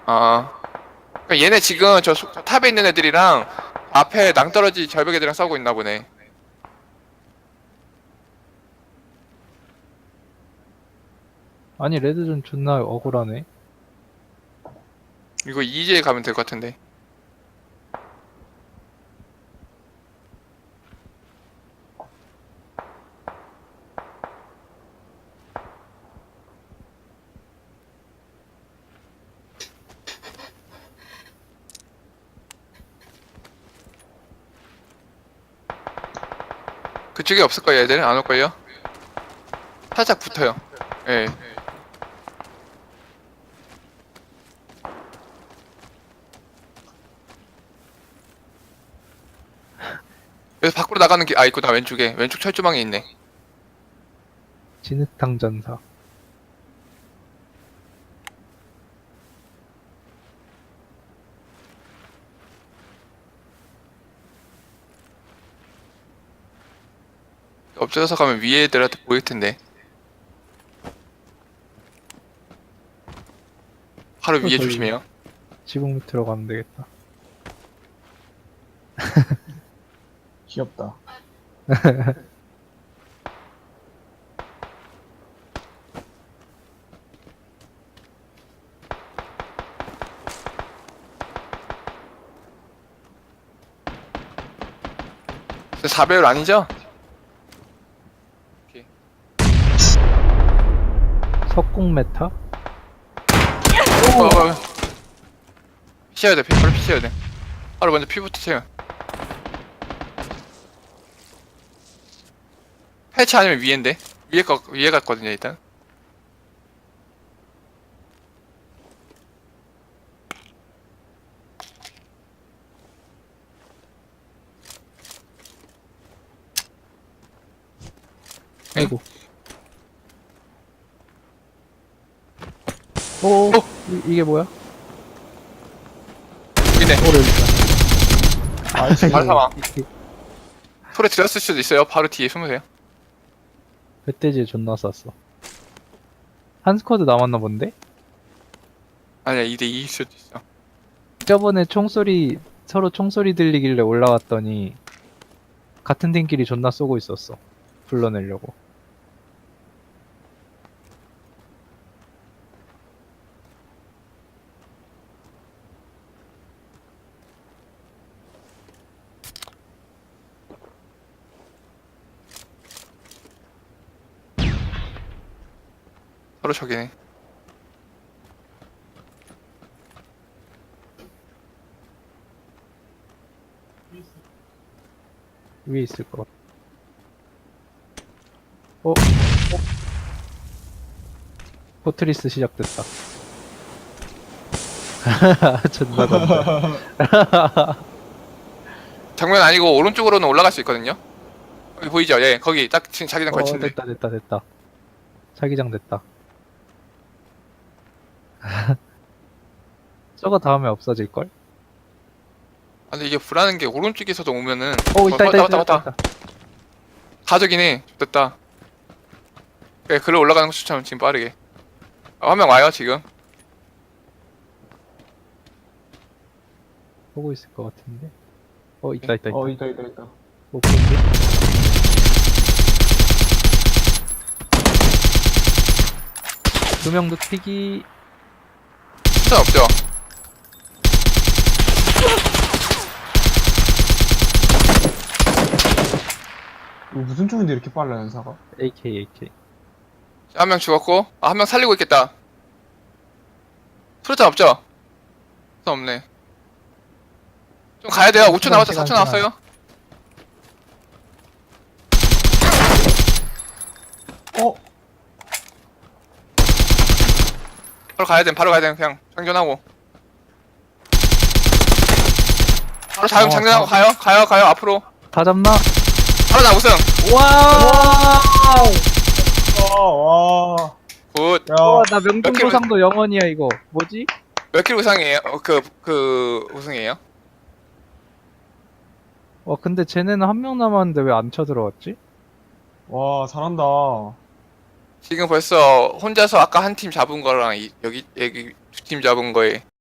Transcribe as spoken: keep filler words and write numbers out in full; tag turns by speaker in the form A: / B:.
A: 아, 그러니까 얘네 지금 저, 소- 저 탑에 있는 애들이랑 앞에 낭떠러지 절벽 애들이랑 싸우고 있나 보네.
B: 아니 레드존 존나 억울하네.
A: 이거 이제 가면 될 것 같은데. 그쪽에 없을걸요, 애들은? 안 올걸요? 살짝 붙어요. 예. 그래서 밖으로 나가는 게, 아, 있구나, 왼쪽에. 왼쪽 철조망에 있네.
B: 진흙탕 전사.
A: 엎드려서 가면 위에 애들한테 보일 텐데. 바로 위에
B: 거의
A: 조심해요.
B: 지붕 밑으로 가면 되겠다.
C: 귀엽다.
A: 사 배율 아니죠? 오케이.
B: 석궁 메타?
A: 어, 어, 어. 피셔야 돼, 피, 바로 피셔야 돼. 바로 먼저 피부터 채워. 패치 아니면 위에인데? 위에 거, 위에 갔거든요, 일단.
B: 아이고. 오,
A: 어?
B: 이, 이게 뭐야?
A: 여기네.
B: 오래 있다.
C: 아, 이
A: 바로 사망.
B: 이- 이-
A: 소리 들었을 수도 있어요. 바로 뒤에 숨으세요.
B: 멧돼지에 존나 쌌어. 한 스쿼드 남았나 본데?
A: 아니야, 이 대 이일 수도 있어.
B: 저번에 총소리, 서로 총소리 들리길래 올라왔더니 같은 팀끼리 존나 쏘고 있었어. 불러내려고.
A: 서로 저기네.
B: 위에 있을 것 같아. 어? 어? 포트리스 시작됐다. 존나 간다.
A: 정면 아니고 오른쪽으로는 올라갈 수 있거든요. 거기 보이죠? 예, 거기 딱 지금 자기장
B: 어,
A: 걸친데.
B: 됐다, 됐다, 됐다. 자기장 됐다. 저거 다음에 없어질걸?
A: 아, 근데 이게 불안한 게 오른쪽에서도 오면은.
B: 어, 있다,
A: 어,
B: 있다,
A: 왔다,
B: 있다,
A: 왔다,
B: 있다,
A: 왔다.
B: 있다.
A: 가족이네. 됐다. 그래, 글로 올라가는 거 추천 지금 빠르게. 아, 한 명 와요, 지금.
B: 보고 있을 것 같은데. 어, 있다, 있다, 있다.
C: 어, 있다, 있다, 있다.
B: 못 본데? 두명 눕히기.
A: 추천 없죠?
C: 이거 무슨 쪽인데 이렇게 빨라, 연사가?
B: 에이케이, 에이케이.
A: 한 명 죽었고. 아, 한 명 살리고 있겠다. 프루트 없죠? 프루트 없네. 좀 가야 돼요. 오 초
B: 시간,
A: 남았죠?
B: 시간,
A: 사 초
B: 시간.
A: 남았어요.
C: 어?
A: 바로 가야 돼. 바로 가야 돼. 그냥 장전하고. 바로 자영
B: 어,
A: 장전하고
B: 다-
A: 가요. 가요. 가요. 앞으로.
B: 다 잡나?
A: 바로 나 우승.
B: 와우!
C: 와, 와.
A: 굿.
C: 야,
B: 와, 나
A: 킬로-
B: 명중보상도 영원이야, 이거. 뭐지?
A: 몇 킬 우승이에요? 어, 그, 그, 우승이에요?
B: 와, 근데 쟤네는 한 명 남았는데 왜 안 쳐들어왔지?
C: 와, 잘한다.
A: 지금 벌써 혼자서 아까 한 팀 잡은 거랑 이- 여기, 여기 두 팀 잡은 거에